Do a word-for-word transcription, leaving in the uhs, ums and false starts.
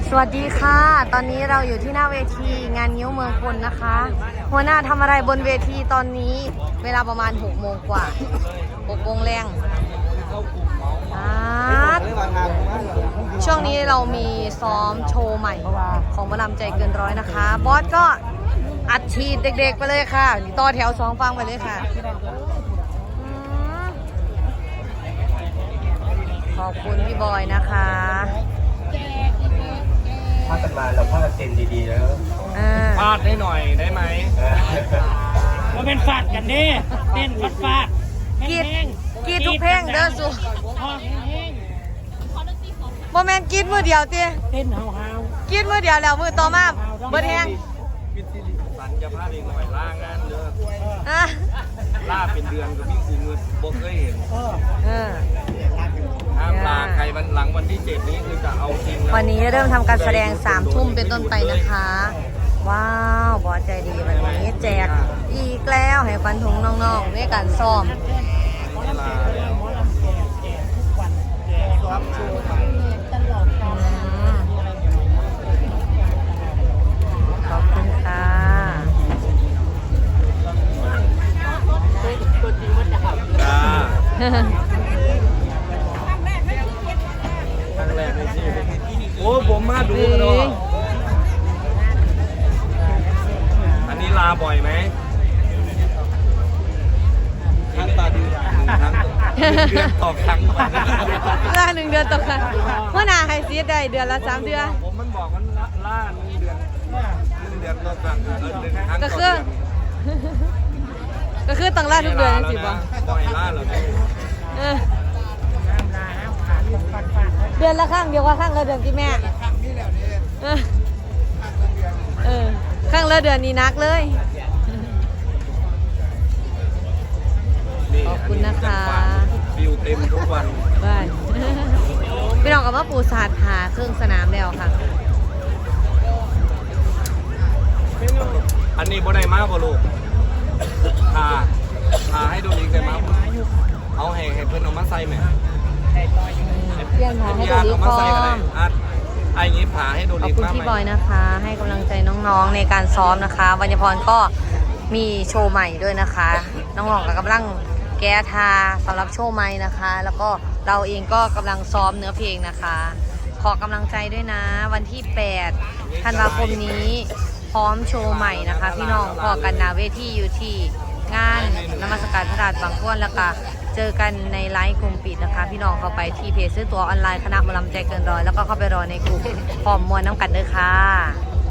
สวัสดีค่ะตอนนี้เราอยู่ที่หน้าเวทีงานงิ้วเมืองพลนะคะหัวหน้าทำอะไรบนเวทีตอนนี้เวลาประมาณหกโมงกว่าหกโมงแรงช่วงนี้เรามีซ้อมโชว์ใหม่ของหมอลำใจเกินร้อยนะคะบอสก็อัดฉีดเด็กๆไปเลยค่ะต่อแถวสองฟังไปเลยค่ะขอบคุณพี่บอยนะคะพากันมาเราพากันเต้นดีๆแล้วฟาดให้หน่อยได้ไหมเราเป็นฟาดกันดิเต้นฟาดฟาดกีดกีดทุกเพลงเด้อสุโมเมนต์กีดมือเดียวตีเต้นเฮาเฮากีดมือเดียวแล้วมือต่อมาเบิดแห้งสันจะพาเองหน่อยล่างานเด้อล่าเป็นเดือนกับพี่คือเงินบกเคยเห็นห้ามลาใครวันหลังวันที่เจ็ดนี้คือจะเอาจริงวันนี้เริ่มทำการแสดงสามทุ่มเป็นต้นไปนะคะว้าวบอสใจดีวันนี้แจกอีกแล้วให้ฟันถุงน้องๆด้วยการซ้อมขอบคุณค่ะจ้าครั้งแรกในชีวิตโอ้ผมมาดูกันด้วยอันนี้ลาบ่อยไหมครั้งต่อเดือนครั้งเดือนต่อครั้งล่าหนึ่งเดือนต่อครั้งเมื่อนาให้ซีดได้เดือนละสามเดือนผมมันบอกมันล่าหนึ่งเดือนหนึ่งเดือนต่อครั้งเดือนหนึ่งครั้งก็คือก็คือต้องล่าทุกเดือนสิบ่บ่อยล่าเลยเดือนละครั้งเดียวว่าครั้งละเดือนที่แม่เออครั้งละเดือนนี้นักเลยขอบคุณนะคะฟิวเต็มทุกวันบ้านพี่น้องกับว่าปูศาสตร์หาเครื่องสนามแล้วค่ะอันนี้บ่ได้มากบ่ลูกทาทาให้ดูดีได้มากเอาให้ให้เพื่อนเอามาใส่ไหมเพี้ยนผาให้ดูดีพร้อมไอ้งี้ผาให้ดูดีขอบคุณพี่บอยนะคะให้กำลังใจน้องๆในการซ้อมนะคะวัญญพรก็มีโชว์ใหม่ด้วยนะคะน้องๆก็กำลังแก้ทาสำหรับโชว์ใหม่นะคะแล้วก็เราเองก็กำลังซ้อมเนื้อเพลงนะคะขอกำลังใจด้วยนะวันที่แปดธันวาคมนี้พร้อมโชว์ใหม่นะคะพี่น้องพอกันนาเวทีอยู่ที่งานนมัสการพระธาตุบางพ้วนแล้วก็เจอกันในไลฟ์กลุ่มปิดนะคะพี่น้องเข้าไปที่เพจซื้อตั๋วออนไลน์คณะหมอลำใจเกินร้อยแล้วก็เข้าไปรอในกลุ่มพร้อมมวลน้ำกันเด้อค่ะ